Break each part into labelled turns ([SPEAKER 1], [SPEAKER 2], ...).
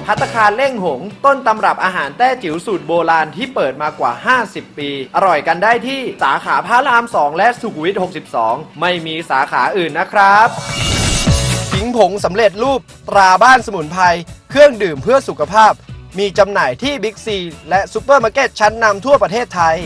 [SPEAKER 1] ภัตตาคารเล่งหงต้นตำรับอาหารแต้จิ๋วสูตรโบราณที่เปิดมากว่า 50 ปี อร่อยกันได้ที่สาขาพระราม 2 และสุขุมวิท 62 ไม่มีสาขาอื่นนะครับขิงผงสำเร็จรูปตราบ้านสมุนไพรเครื่องดื่มเพื่อสุขภาพมีจำหน่ายที่บิ๊กซีและซุปเปอร์มาร์เก็ตชั้นนำทั่วประเทศไทย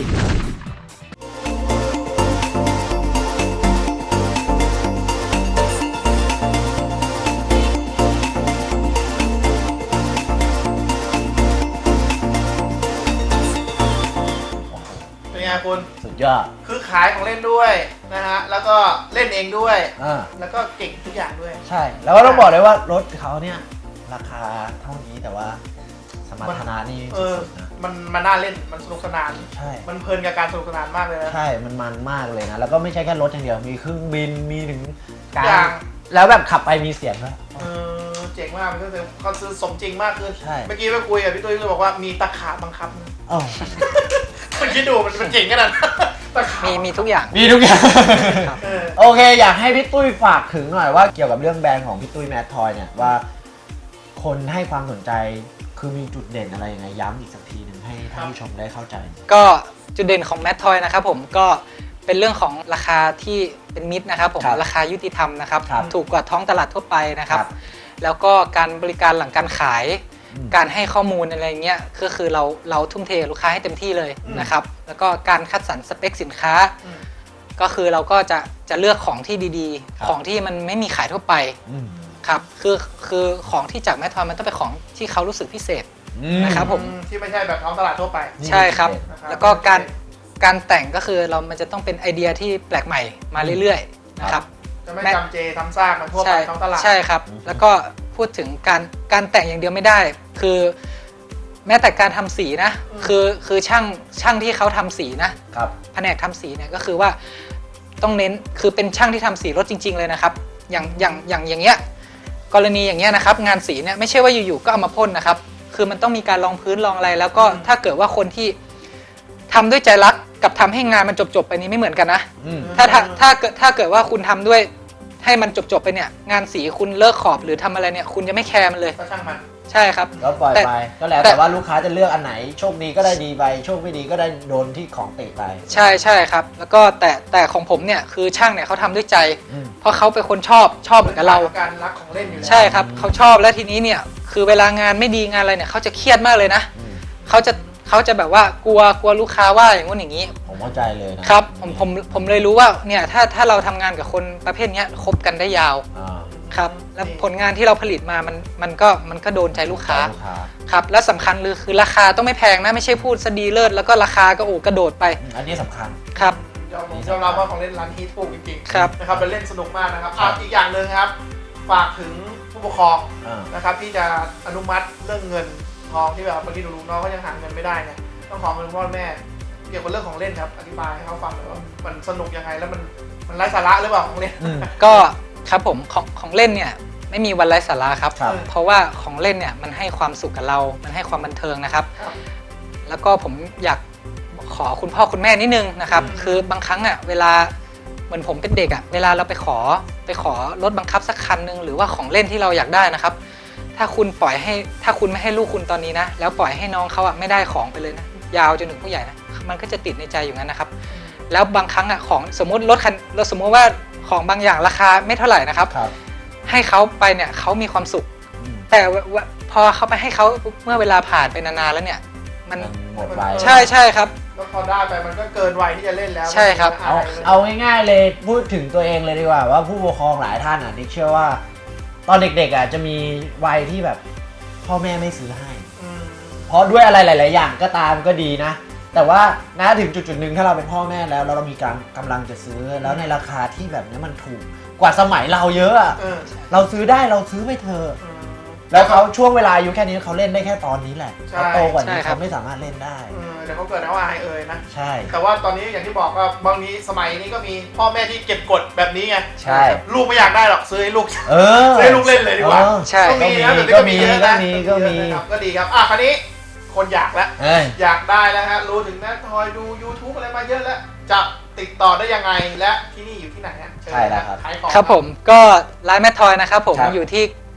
[SPEAKER 2] เป็นไงคุณ
[SPEAKER 3] สุดยอด
[SPEAKER 2] คือขายของเล่นด้วยนะฮะแล้วก็เล่นเองด้วย
[SPEAKER 3] า
[SPEAKER 2] แล้วก็เก่งทุกอย่างด้วย
[SPEAKER 3] ใช่ แล้วก็ต้องบอกเลยว่ารถเขาเนี่ยราคาเท่านี้แต่ว่าสมรรถนะนี่
[SPEAKER 2] เออ
[SPEAKER 3] สุดๆนะ
[SPEAKER 2] มันน่าเล่นมันสนุกสนาน
[SPEAKER 3] ใช่
[SPEAKER 2] มันเพลินกับการสนุกสนานมากเลยนะ
[SPEAKER 3] ใช่ มันมากเลยนะ แล้วก็ไม่ใช่แค่รถอย่างเดียว มีเครื่องบิน มีถึงกา
[SPEAKER 2] อย่าร ง
[SPEAKER 3] แล้วแบบขับไปมีเสียงด้วย
[SPEAKER 2] เจ๋งมากมันก็คือเขาซื้อสมจริงมากขึ้น
[SPEAKER 3] ใช่
[SPEAKER 2] เมื่อกี้ไปคุยกับพี่ตุ้ยก็บอกว่ามีตะขาบบังคับ
[SPEAKER 3] อ๋อ
[SPEAKER 2] คุณคิดดูมันเจ๋งขนาดนั้นตะขาบ
[SPEAKER 4] มีทุกอย่าง
[SPEAKER 3] มีทุกอย่าง
[SPEAKER 2] เออ
[SPEAKER 3] โอเค อยากให้พี่ตุ้ยฝากถึงหน่อยว่าเกี่ยวกับเรื่องแบรนด์ของพี่ตุ้ยแมททอยเนี่ยว่าคนให้ความสนใจคือมีจุดเด่นอะไรยังไงย้ำอีกสักทีหนึ่งให้ท่านผู้ชมได้เข้าใจ
[SPEAKER 4] ก็จุดเด่นของแมททอยนะครับผมก็เป็นเรื่องของราคาที่เป็นมิตรนะครับผม
[SPEAKER 3] ครับ
[SPEAKER 4] ราคายุติธรรมนะครับ
[SPEAKER 3] ครับ
[SPEAKER 4] ถูกกว่าท้องตลาดทั่วไปนะครับ
[SPEAKER 3] ครับ
[SPEAKER 4] แล้วก็การบริการหลังการขาย
[SPEAKER 3] อืม
[SPEAKER 4] การให้ข้อมูลอะไรเงี้ยก็คือเราทุ่มเทลูกค้าให้เต็มที่เลย
[SPEAKER 2] อืม
[SPEAKER 4] นะครับแล้วก็การคัดสรรสเปคสินค้า
[SPEAKER 2] อืม
[SPEAKER 4] ก็คือเราก็จะเลือกของที่ดี
[SPEAKER 3] ครับ
[SPEAKER 4] ๆ ของที่มันไม่มีขายทั่วไป
[SPEAKER 3] อืม
[SPEAKER 4] ครับคือของที่จากแมททอยมันต้องเป็นของที่เขารู้สึกพิเศษ นะครับผม
[SPEAKER 2] ที่ไม่ใช่แบบท้องตลาดทั่วไป
[SPEAKER 3] นี่
[SPEAKER 4] ใช่ครับ
[SPEAKER 2] นะครับ
[SPEAKER 4] แล้วก็การแต่งก็คือมันจะต้องเป็นไอเดียที่แปลกใหม่มาเรื่อยๆนะครับ
[SPEAKER 2] จะไม่จำเจทำซากมันทั่วไป
[SPEAKER 4] ใช่
[SPEAKER 2] ท้องตลาด
[SPEAKER 4] ใช่ครับ แล้วก็พูดถึงการแต่งอย่างเดียวไม่ได้ คือแม้แต่การทำสีนะ คือช่างที่เขาทำสีนะครับ แผนกทำสีเนี่ยก็คือว่าต้องเน้นคือเป็นช่างที่ทำสีรถจริง ๆ เลยนะครับ อย่างเงี้ยกรณีอย่างเงี้ยนะครับ งานสีเนี่ยไม่ใช่ว่าอยู่ๆก็เอามาพ่นนะครับ คือมันต้องมีการรองพื้นรองอะไร แล้วก็ถ้าเกิดว่าคนที่ทำด้วยใจรักกับทำให้งานมันจบไปนี้ไม่เหมือนกันนะ
[SPEAKER 3] อืม
[SPEAKER 4] ถ้าเกิดว่าคุณทำด้วยให้มันจบไปเนี่ยงานสีคุณเลิกขอบหรือทำอะไรเนี่ยคุณจะไม่แคร์มันเลย
[SPEAKER 2] ก็ช่างมัน
[SPEAKER 4] ใช่ครับ
[SPEAKER 3] ก็ปล่อย
[SPEAKER 4] แต่
[SPEAKER 3] ไปก็แล้วแต่ว่าลูกค้าจะเลือกอันไหนโชคดีก็ได้ดีไปโชคไม่ดีก็ได้โดนที่ของติไป
[SPEAKER 4] ใช่ครับ แล้วก็แต่ของผมเนี่ยคือช่างเนี่ยเขาทำด้วยใจ
[SPEAKER 3] อืม
[SPEAKER 4] เพราะเขาเป็นคนชอบเหมือนกับเรา
[SPEAKER 2] การรักของเล่นอยู่แล้ว
[SPEAKER 4] ใช่ครับเขาชอบแล้วทีนี้เนี่ยคือเวลางานไม่ดีงานอะไรเนี่ยเขาจะเครียดมากเลยนะ
[SPEAKER 3] อืม
[SPEAKER 4] เขาจะแบบว่ากลัวลูกค้าว่าอย่างงู้นอย่างนี้
[SPEAKER 3] ผมเข้าใจเลยนะครับ
[SPEAKER 4] ผมเลยรู้ว่าเนี่ยถ้าเราทำงานกับคนประเภทเนี้ยคบกันได้ยาว
[SPEAKER 3] อ่า
[SPEAKER 4] ครับแล้วผลงานที่เราผลิตมามันก็โดนใจลูกค้า
[SPEAKER 3] ลูกค้า
[SPEAKER 4] ครับและสำคัญคือราคาต้องไม่แพงนะไม่ใช่พูดซะดีเลิศแล้วก็ราคาก็กระโดดไป
[SPEAKER 3] อันนี้สำคัญ
[SPEAKER 4] ครับ
[SPEAKER 2] ยอมรับว่าของเล่นร้านฮีทถูกจริงๆ
[SPEAKER 4] ครับ
[SPEAKER 2] นะครับเป็นเล่นสนุกมากนะครับ
[SPEAKER 3] ครับ
[SPEAKER 2] อีกอย่างหนึ่งครับ ฝากถึงผู้ปกครอง
[SPEAKER 3] อ่า
[SPEAKER 2] นะครับที่จะอนุมัติเรื่องเงินทองที่แบบบางทีหนูๆน้องก็ยังหาเงินไม่ได้เนี่ยต้องขอเงินพ่อแม่เกี่ยวกับเรื่องของเล่นครับอธิบายให้เขาฟังหน่อยว่ามันสนุกยังไงแล้วมันไร้สาระหรือเปล่าของเล่น
[SPEAKER 3] อืม
[SPEAKER 4] ก็ครับผมของเล่นเนี่ยไม่มีวันไร้สาระครับ
[SPEAKER 3] ครับ
[SPEAKER 4] เพราะว่าของเล่นเนี่ยมันให้ความสุขกับเรา มันให้ความบันเทิงนะครับ
[SPEAKER 2] ครับ
[SPEAKER 4] แล้วก็ผมอยากขอคุณพ่อคุณแม่นิดนึงนะครับ
[SPEAKER 2] อืม
[SPEAKER 4] คือบางครั้งอ่ะเวลาเหมือนผมเป็นเด็กอ่ะเวลาเราไปขอรถบังคับสักคันหนึงหรือว่าของเล่นที่เราอยากได้นะครับ ถ้าคุณไม่ให้ลูกคุณตอนนี้นะแล้วปล่อยให้น้องเขาอ่ะไม่ได้ของไปเลยนะยาวจนถึงผู้ใหญ่นะมันก็จะติดในใจอยู่งั้นนะครับ แล้วบางครั้งอ่ะของสมมติเราสมมติว่าของบางอย่างราคาไม่เท่าไหร่นะครับ
[SPEAKER 3] ครับ
[SPEAKER 4] ให้เขาไปเนี่ยเขามีความสุข
[SPEAKER 3] อืม
[SPEAKER 4] แต่ว่าพอเขาไปให้เขาเมื่อเวลาผ่านไปนานๆแล้วเนี่ยมัน
[SPEAKER 3] หมดไป
[SPEAKER 4] ใช่ครับ
[SPEAKER 2] แล้วพอได้ไปมันก็เกินวัยที่จะเล่นแล้ว
[SPEAKER 4] ใช่ครับ
[SPEAKER 3] เอาง่ายๆเลยพูดถึงตัวเองเลยดีกว่าว่าผู้ปกครองหลายท่านอ่ะนิกเชื่อว่า ตอนเด็กๆอ่ะจะมีวัยที่แบบพ่อแม่ไม่ซื้อให้
[SPEAKER 2] อืม
[SPEAKER 3] เพราะด้วยอะไรหลาย ๆ อย่างก็ตามก็ดีนะ แต่ว่าณถึงจุดๆหนึ่งถ้าเราเป็นพ่อแม่แล้วเรามีกำลังจะซื้อแล้วในราคาที่แบบนี้มันถูกกว่าสมัยเราเยอะอะ
[SPEAKER 2] เออ
[SPEAKER 3] เราซื้อได้เราซื้อไปเถอะ
[SPEAKER 2] อืม
[SPEAKER 3] แล้วเขาช่วงเวลาอายุแค่นี้เขาเล่นได้แค่ตอนนี้แหละ
[SPEAKER 2] ใช่
[SPEAKER 3] เขาโตกว่านี้
[SPEAKER 4] ใช่ครับ
[SPEAKER 3] เขาไม่สามารถเล่นได้
[SPEAKER 2] เดี๋ยวเขาเกิดเอาอายนะ
[SPEAKER 3] ใช่
[SPEAKER 2] แต่ว่าตอนนี้อย่างที่บอกก็บางทีสมัยนี้ก็มีพ่อแม่ที่เก็บกดแบบนี้ไง
[SPEAKER 3] ใช่
[SPEAKER 2] ลูกไม่อยากได้หรอกซื้อให้ลูก
[SPEAKER 3] เออ
[SPEAKER 2] ซื้อให้ลูกเล่นเลยดีกว่า
[SPEAKER 3] เออ
[SPEAKER 4] ใช่
[SPEAKER 2] ก็มีนะ
[SPEAKER 3] ก็
[SPEAKER 2] เดี๋ยว
[SPEAKER 3] มี
[SPEAKER 2] นี้ก็มีเยอะนะ
[SPEAKER 3] ก็มี
[SPEAKER 2] เยอะนะครับก็ดีครับคราวนี้คนอยากแล้ว
[SPEAKER 3] เอ้ย
[SPEAKER 2] อยากได้แล้วฮะรู้ถึงแม่ทอยดู YouTube อะไรมาเยอะแล้วจะติดต่อได้ยังไงและที่นี่อยู่ที่ไหนฮะเชิญ
[SPEAKER 3] ใช่แล้วครับ
[SPEAKER 2] ขายของ
[SPEAKER 4] ครับผมก็ร้านแมททอยนะครับผม
[SPEAKER 3] ครับ
[SPEAKER 4] อยู่ที่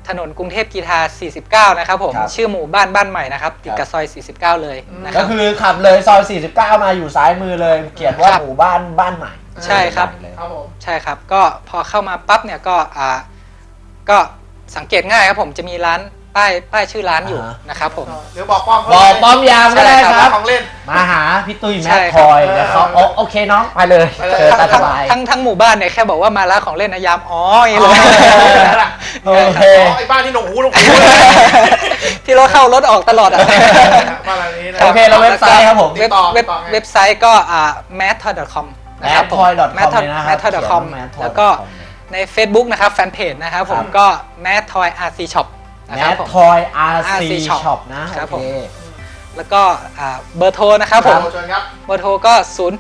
[SPEAKER 4] ถนนกรุงเทพกีฬา49นะครับผม
[SPEAKER 3] ครับ
[SPEAKER 4] ชื่อหมู่บ้านใหม่นะครับติดกับซอย49เลยนะค
[SPEAKER 3] ก็
[SPEAKER 4] รับ
[SPEAKER 3] คือขับเลยซอย 49 มาอยู่ซ้ายมือเลย เขียนว่า
[SPEAKER 4] ครับ
[SPEAKER 3] หมู่บ้านใหม่
[SPEAKER 4] ใช่ครับ
[SPEAKER 3] เลย
[SPEAKER 2] ครับผม
[SPEAKER 4] ใช่ครับก็พอเข้ามาปั๊บเนี่ยก็สังเกตง่ายครับผมจะมีร้านป้ายชื่อร้านอยู่นะครับผม
[SPEAKER 2] หรือบอกป้อมเขา
[SPEAKER 3] บอกป้อมยามก็ได้
[SPEAKER 4] ใช่
[SPEAKER 3] ค
[SPEAKER 4] ครั
[SPEAKER 3] รับ
[SPEAKER 4] บ
[SPEAKER 2] ของเล่น
[SPEAKER 3] มาหาพี่ตุ้ยแม
[SPEAKER 4] ใช่
[SPEAKER 3] ท
[SPEAKER 4] ครับ
[SPEAKER 3] คอยแล้วเขาโอเคน้องไปเลย
[SPEAKER 2] ไปเลย
[SPEAKER 3] เจอตาสบาย
[SPEAKER 4] ทั้งหมู่บ้านเนี่ยแค่บอกว่ามาร้านของเล่นนะยามอ๋ออย่างนี้เลย
[SPEAKER 3] โอเค
[SPEAKER 2] ไอ้บ้านที่หนงหู
[SPEAKER 4] ที่เราเข้ารถออกตลอดอ่ะ
[SPEAKER 2] บ้านหลังนี้นะ
[SPEAKER 3] โอเคแล้วเว็บไซต์ครับผม
[SPEAKER 2] ติดต่อไง
[SPEAKER 4] เว็บไซต์ก็mathtoy.com นะครับผม
[SPEAKER 3] mathtoy.com เลยนะครับ
[SPEAKER 4] mathtoy.com
[SPEAKER 3] เขียนว่า mathtoy.com
[SPEAKER 4] แล้วก็ใน Facebook นะครับแฟนเพจนะครับผมก็ mathtoy RC Shop นะ
[SPEAKER 3] แม
[SPEAKER 4] ครับ
[SPEAKER 3] ท
[SPEAKER 4] ผม
[SPEAKER 3] ทอย RC
[SPEAKER 4] RC Shop
[SPEAKER 3] Shop นะ
[SPEAKER 4] ครับ
[SPEAKER 3] โอเค
[SPEAKER 4] แล้วก็เบอร์โทรนะครับผม
[SPEAKER 2] เชิญครับ
[SPEAKER 4] เบอร์โทรก็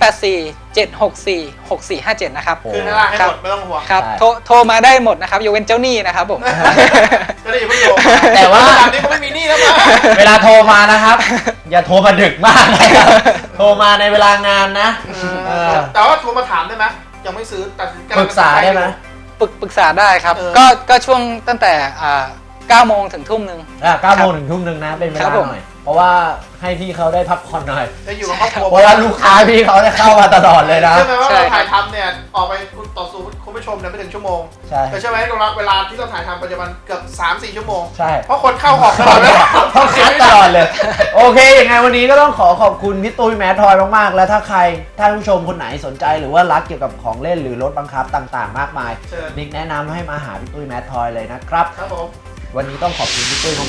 [SPEAKER 4] 0847646457 นะครับ
[SPEAKER 3] โอ้
[SPEAKER 2] ขึ้นข้างล่างให้หมดไม่ต้องห่วง
[SPEAKER 4] ครับ
[SPEAKER 3] ใช่
[SPEAKER 4] โทรมาได้หมดนะครับยกเว้นเจ้าหนี้นะครับผม
[SPEAKER 2] จะได้อย่าเพิ่งโยง
[SPEAKER 3] แต่ว่า
[SPEAKER 2] แบบนี้เขาไม่มีหนี้แล้วมั้ง
[SPEAKER 3] เวลาโทรมานะครับ อย่าโทรมาดึกมากนะครับโทรมาในเวลางานนะเออ
[SPEAKER 2] แต่ว่าโทรมาถามได้ไหมยังไม่ซื้อตัดสินใจ
[SPEAKER 3] ปรึกษาได้ไหม
[SPEAKER 4] ปรึกษาได้ครับ
[SPEAKER 2] เออ
[SPEAKER 4] ก็ช่วงตั้งแต่9 โมงถึงทุ่มหนึ่ง
[SPEAKER 3] 9 โมงถึงทุ่มหนึ่งนะเป็นเว
[SPEAKER 4] ครั
[SPEAKER 3] ลา
[SPEAKER 4] บผม
[SPEAKER 3] หน่อย เพราะว่าให้พี่เขาได้พักผ่อนหน่อย
[SPEAKER 2] จะอยู่กับครอบครัว
[SPEAKER 3] เพราะว่าลูกค้าพี่เขาจะเข้ามาตลอดเลยนะ
[SPEAKER 2] ใช่ไหมว่า
[SPEAKER 4] ใช่
[SPEAKER 2] เรา
[SPEAKER 4] ครับ
[SPEAKER 2] ถ่ายทำเนี่ยออกไปต่อสู้คุณผู้ชมเนี่ยไม่ถึงชั่วโมง
[SPEAKER 3] ใช่
[SPEAKER 2] แต่ใช่ไหมเวลาที่เราถ่ายทำปัจจุบันเกือบ 3-4 ชั่วโมง
[SPEAKER 3] ใช่
[SPEAKER 2] เพราะคนเข้าออกตลอดเวลา
[SPEAKER 3] ต้องคัดตลอดเลย โอเคยังไงวันนี้ก็ต้องขอบคุณพี่ตุ้ยแมททอยมากๆ และถ้าใครท่านผู้ชมคนไหนสนใจหรือว่ารักเกี่ยวกับของเล่นหรือรถบังคับต่างๆ มากมาย
[SPEAKER 2] เชิญ
[SPEAKER 3] นิกแนะนำให้มาหาพี่ตุ้ยแมททอยเลยนะครับ
[SPEAKER 2] ครับผม
[SPEAKER 3] วันนี้ต้องขอบคุณพี่ตุ้ยมาก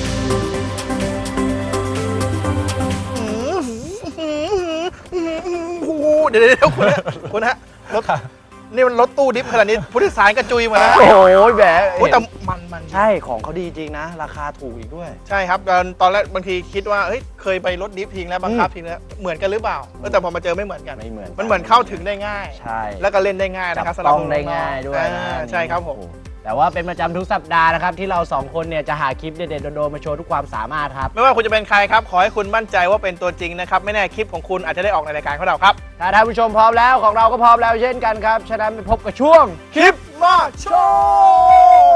[SPEAKER 2] เดี๋ยวคุณฮะรถนี่มันรถตู้ดิฟขนาดนี้ผู้โดยสารกระจุยมานะ
[SPEAKER 5] โอ้ยแหม
[SPEAKER 2] โอ้แต่มัน
[SPEAKER 5] ใช่ของเขาดีจริงนะ ราคาถูกอีกด้วย
[SPEAKER 2] ใช่ครับตอนแรกบางทีคิดว่าเฮ้ยเคยไปรถดิฟทิ้งแล้วบังคับทิ้งแล้วเหมือนกันหรือเปล่าแต่พอมาเจอไม่เหมือนกัน
[SPEAKER 5] ไม่เหมือน
[SPEAKER 2] มันเหมือนเข้าถึงได้ง่าย
[SPEAKER 5] ใช่
[SPEAKER 2] แล้วก็เล่นได้ง่าย
[SPEAKER 5] จั
[SPEAKER 2] นะครับ
[SPEAKER 5] บ
[SPEAKER 2] สำหรับ
[SPEAKER 5] ต้องได้ง่ายด้วยนะ
[SPEAKER 2] ใช่ครับผม
[SPEAKER 5] แต่ว่าเป็นประจำทุกสัปดาห์นะครับ ที่เราสองคนเนี่ยจะหาคลิปเด็ดๆโดนๆมาโชว์ทุกความสามารถครับ
[SPEAKER 2] ไม่ว่าคุณจะเป็นใครครับ ขอให้คุณมั่นใจว่าเป็นตัวจริงนะครับ ไม่แน่คลิปของคุณอาจจะได้ออกในรายการของเราครับ
[SPEAKER 5] ถ้าท่านผู้ชมพร้อมแล้วของเราก็พร้อมแล้วเช่นกันครับ ฉะนั้นไปพบกับช่วง
[SPEAKER 2] คลิปมาโชว์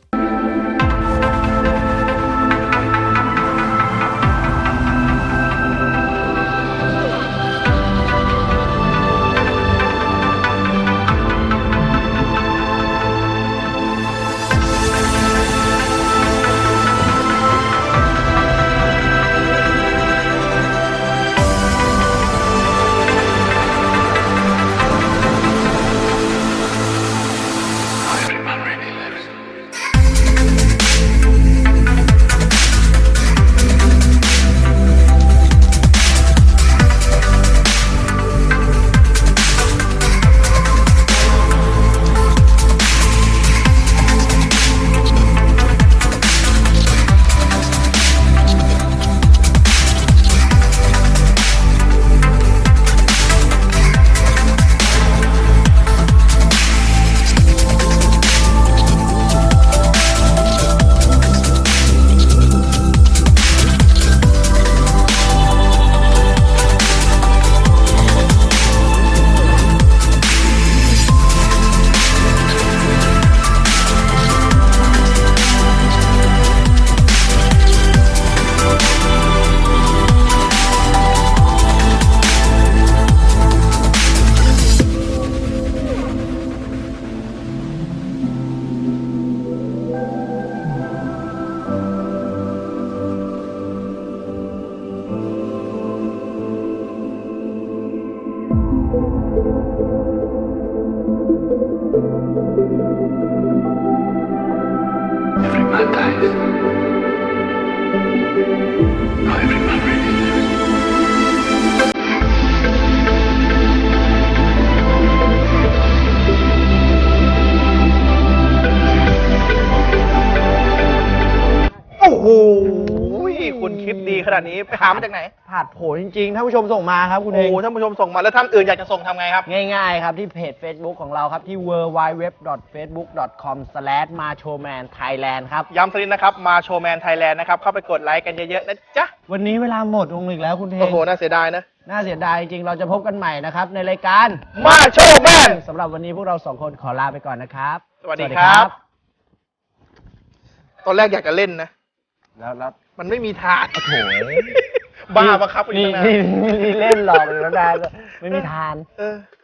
[SPEAKER 6] Every man dies. Not every man really lives.
[SPEAKER 2] โอ้โหคุณคลิปดีขนาดนี้ไปหามาจากไหน
[SPEAKER 5] ผ่านโผจริงๆท่านผู้ชมส่งมาครับคุณ
[SPEAKER 2] โอ้
[SPEAKER 5] เอง
[SPEAKER 2] โหท่านผู้ชมส่งมาแล้วท่านอื่นอยากจะส่งทำไงครับ
[SPEAKER 5] ง่ายๆครับที่เพจ Facebook ของเราครับที่ www.facebook.com/machomanthailand ครับ
[SPEAKER 2] ย้ำสักนิดนะครับมาโชว์แมนไทยแลนด์นะครับ เข้าไปกดไลค์กันเยอะๆนะจ๊ะ
[SPEAKER 5] วันนี้เวลาหมดลงอีกแล้วคุณเท
[SPEAKER 2] โอ้
[SPEAKER 5] ง
[SPEAKER 2] โห น่าเสียดายนะ
[SPEAKER 5] น่าเสียดายจริงๆเราจะพบกันใหม่นะครับในรายการ
[SPEAKER 2] มาโชว์แมน
[SPEAKER 5] สำหรับวันนี้พวกเราสองคนขอลาไปก่อนนะครับ
[SPEAKER 2] สวัสดีครับตอนแรกอยากจะเล่นนะ
[SPEAKER 5] แล้ว
[SPEAKER 2] มันไม่มีทาง
[SPEAKER 5] โอ้โห
[SPEAKER 2] บ้าบังคับอีก
[SPEAKER 5] นี่
[SPEAKER 2] ตั้งนาน
[SPEAKER 5] นี่เล่นหลอกเลยแล้วได้ไม่มีทาน
[SPEAKER 2] เออ